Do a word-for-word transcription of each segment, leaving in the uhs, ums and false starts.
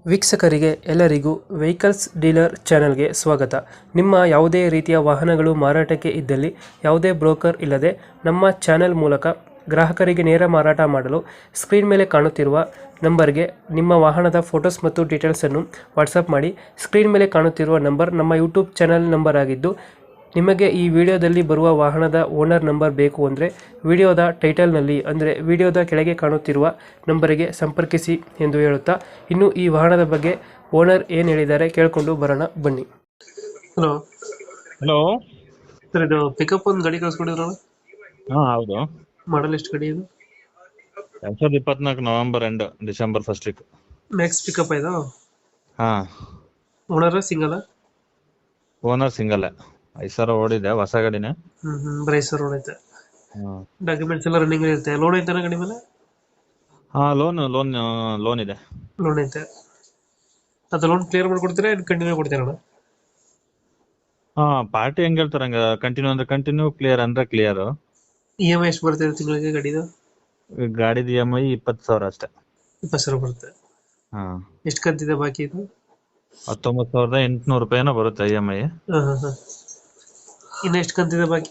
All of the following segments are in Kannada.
ವೀಕ್ಷಕರಿಗೆ ಎಲ್ಲರಿಗೂ ವೆಹಿಕಲ್ಸ್ ಡೀಲರ್ ಚಾನೆಲ್ಗೆ ಸ್ವಾಗತ. ನಿಮ್ಮ ಯಾವುದೇ ರೀತಿಯ ವಾಹನಗಳು ಮಾರಾಟಕ್ಕೆ ಇದ್ದಲ್ಲಿ ಯಾವುದೇ ಬ್ರೋಕರ್ ಇಲ್ಲದೆ ನಮ್ಮ ಚಾನೆಲ್ ಮೂಲಕ ಗ್ರಾಹಕರಿಗೆ ನೇರ ಮಾರಾಟ ಮಾಡಲು ಸ್ಕ್ರೀನ್ ಮೇಲೆ ಕಾಣುತ್ತಿರುವ ನಂಬರ್ಗೆ ನಿಮ್ಮ ವಾಹನದ ಫೋಟೋಸ್ ಮತ್ತು ಡೀಟೇಲ್ಸನ್ನು ವಾಟ್ಸಪ್ ಮಾಡಿ. ಸ್ಕ್ರೀನ್ ಮೇಲೆ ಕಾಣುತ್ತಿರುವ ನಂಬರ್ ನಮ್ಮ ಯೂಟ್ಯೂಬ್ ಚಾನೆಲ್ ನಂಬರ್ ಆಗಿದ್ದು, ನಿಮಗೆ ಈ ವಿಡಿಯೋದಲ್ಲಿ ಬರುವ ವಾಹನದ ಓನರ್ ನಂಬರ್ ಬೇಕು ಅಂದರೆ ವಿಡಿಯೋದ ಟೈಟಲ್ನಲ್ಲಿ ಅಂದರೆ ವಿಡಿಯೋದ ಕೆಳಗೆ ಕಾಣುತ್ತಿರುವ ನಂಬರಿಗೆ ಸಂಪರ್ಕಿಸಿ ಎಂದು ಹೇಳುತ್ತಾ, ಇನ್ನು ಈ ವಾಹನದ ಬಗ್ಗೆ ಓನರ್ ಏನು ಹೇಳಿದ್ದಾರೆ ಕೇಳಿಕೊಂಡು ಬರೋಣ ಬನ್ನಿ. Hello hello. ಸರ್, ಇದು ಪಿಕಪ್ ಒಂದು ಗಾಡಿ ಕಳಿಸ್ಕೊಂಡಿದ್ರಲ್ಲ, ಹಾ ಹೌದು. ಮಾಡಲ್ ಎಷ್ಟು ಗಾಡಿ ಇದು? ಎರಡ್ ಸಾವಿರದ ಇಪ್ಪತ್ನಾಲ್ಕು November end December first week. Max pickup ಇದು? ಹಾ. Owner single? Owner single. ಐದು ಸಾವಿರ ಓಡಿದೆ, ಹೊಸ ಗಾಡಿನೇ. ಹ್ಮ್ ಹ್ಮ್ ಬರೀ ಸರ್ ಲೋನ್ ಐತೆ? ಹ್ಮ್. ಡಾಕ್ಯುಮೆಂಟ್ಸ್ ಎಲ್ಲ ರನ್ನಿಂಗ್ ಇರುತ್ತೆ. ಲೋನ್ ಐತೆ ಗಾಡಿ ಮೇಲೆ? ಹಾ, ಲೋನ್ ಲೋನ್ ಲೋನ್ ಇದೆ. ಲೋನ್ ಐತೆ. ಅದು ಲೋನ್ ಕ್ಲಿಯರ್ ಮಾಡ್ಕೊಡ್ತೀರಾ ಏನು ಕಂಟಿನ್ಯೂ ಕೊಡ್ತೀರಾ? ಹಾ, ಪಾರ್ಟಿ ಹೆಂಗ್ ಹೇಳ್ತಾರೆ ಹಂಗ. ಕಂಟಿನ್ಯೂ ಅಂದ್ರೆ ಕಂಟಿನ್ಯೂ, ಕ್ಲಿಯರ್ ಅಂದ್ರೆ ಕ್ಲಿಯರ್. ಇ ಎಮ್ ಐ ಎಷ್ಟು ಬರ್ತಿದೆ ತಿಂಗಳಿಗೆ ಗಾಡಿದು? ಗಾಡಿದ ಇ ಎಮ್ ಐ ಇಪ್ಪತ್ತು ಸಾವಿರ ಅಷ್ಟೇ. ಇಪ್ಪತ್ತು ಸಾವಿರ ಬರುತ್ತೆ. ಹಾ. ಎಷ್ಟು ಕಂತಿದೆ ಬಾಕಿ ಇದು? ಹತ್ತೊಂಬತ್ತು ಸಾವಿರದ ಎಂಟುನೂರು ರೂಪಾಯಿನೋ ಬರುತ್ತೆ ಇ ಎಮ್ ಐ. ಹಾ ಹಾ ಹಾ. ಇನ್ನು ಎಷ್ಟು ಕಂತಿದೆ ಬಾಕಿ?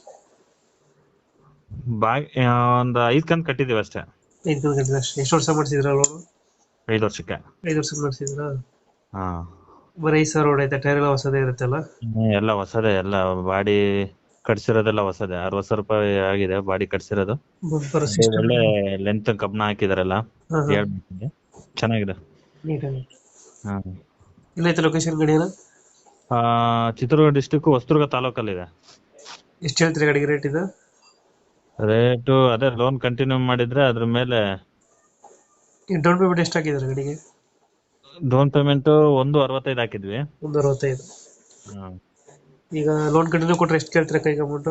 ಬಾ ಒಂದ್ ಐದ್ ಕಂತ್ ಕಟ್ಟಿದೀವಿ ಅಷ್ಟೇ. ಐದು ಕಂತು ಕಂತಿದೆ ಅಷ್ಟೇ. ಎಷ್ಟು ವರ್ಷ ಮಾಡಿಸಿದ್ರ ಲೋನು? ಐದು ವರ್ಷಕ್ಕೆ. ಐದು ವರ್ಷಕ್ಕೆ ಮಾಡಿಸಿದ್ರಾ? ಹಾ. ಬರೀ ಐದು ಸಾವಿರ ಹೊಡೈತೆ. ಟೈರ್ ಎಲ್ಲ ಹೊಸದೇ ಇರುತ್ತಲ್ಲ? ಹ್ಮ್, ಎಲ್ಲ ಹೊಸದೇ. ಎಲ್ಲ ಬಾಡಿ ಕಟ್ಸಿರೋದೆಲ್ಲ ಹೊಸದೇ. ಅರವತ್ತು ಸಾವಿರ ರೂಪಾಯಿ ಆಗಿದೆ ಬಾಡಿ ಕಟ್ಸಿರೋದು. ಬಂಪರ್ ಅದು ಸಿಸ್ಟಮ್? ಒಳ್ಳೆ ಲೆಂತ್ ಕಬ್ನ ಹಾಕಿದಾರಲ್ಲ, ಹಾ ಹಾ. ಹೇಳ್ಬೇಕಿದೆ. ಚೆನ್ನಾಗಿದೆ. ನೀಟಾಗಿ. ಹಾ. ಎಲ್ಲೈತೆ ಲೊಕೇಶನ್ ಗಾಡಿ ಎಲ್ಲ? ಆ, ಚಿತ್ರದುರ್ಗ ಡಿಸ್ಟಿಕ್ ಹೊಸದುರ್ಗ ತಾಲೂಕಲ್ಲಿದೆ. ಎಷ್ಟು ಹೇಳ್ತೀರಿ ಗಾಡಿಗೆ ರೇಟ್ ಇದು? ರೇಟು ಅದೇ ಲೋನ್ ಕಂಟಿನ್ಯೂ ಮಾಡಿದ್ರೆ ಅದ್ರ ಮೇಲೆ. ಈ ಡೌನ್ ಪೇಮೆಂಟ್ ಎಷ್ಟು ಹಾಕಿದ್ದಾರೆ ಗಾಡಿಗೆ? ಡೌನ್ ಪೇಮೆಂಟ್ ಒಂದು ಅರವತ್ತೈದು ಹಾಕಿದ್ವಿ. ಒಂದು ಅರವತ್ತೈದು. ಹಾ. ಈಗ ಲೋನ್ ಕಂಟಿನ್ಯೂ ಕೊಟ್ರೆ ಎಷ್ಟು ಕೇಳ್ತೀರಾ ಕೈಗೆ ಅಮೌಂಟ್?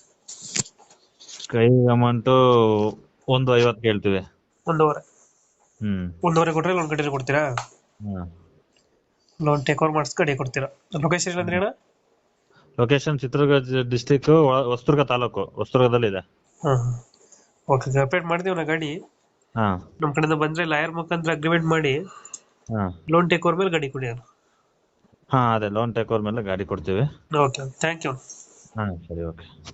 ಕೈ ಅಮೌಂಟ್ ಒಂದು ಐವತ್ತು ಕೇಳ್ತೀವಿ. ಒಂದೂವರೆ? ಹ್ಮ್. ಒಂದೂವರೆ ಕೊಟ್ರೆ ಲೋನ್ ಕಂಟಿನ್ಯೂ ಕೊಡ್ತೀರಾ? ಹಾ. ಲೋನ್ ಟೇಕ್ ಓವರ್ ಮಾಡಿಸ್ ಗಾಡಿ ಕೊಡ್ತೀರಾ. ಲೊಕೇಶನ್ ಇಲ್ಲ ಅಂದ್ರೆ ಅಣ್ಣ? ಲೊಕೇಶನ್ ಚಿತ್ರದುರ್ಗ ಡಿಸ್ಟಿಕ್ ಹೊಸದುರ್ಗ ತಾಲೂಕು, ಹೊಸದುರ್ಗದಲ್ಲಿದೆ. ಹಾ ಹಾ. ಓಕೆ, ಅಪ್ಡೇಟ್ ಮಾಡ್ತೀವಿ ನಾ ಗಾಡಿ. ಹಾ. ನಮ್ಮ ಕಡೆಯಿಂದ ಬಂದ್ರೆ ಲಾಯರ್ ಮುಖಾಂತರ ಅಗ್ರಿಮೆಂಟ್ ಮಾಡಿ ಹಾ. ಲೋನ್ ಟೇಕ್ ಓವರ್ ಮೇಲೆ ಗಾಡಿ ಕೊಡಿ. ಹಾ, ಅದೇ ಲೋನ್ ಟೇಕ್ ಓವರ್ ಮೇಲೆ ಗಾಡಿ ಕೊಡ್ತೀವಿ. Okay, thank you. ಹಾ, ಸರಿ, ಓಕೆ.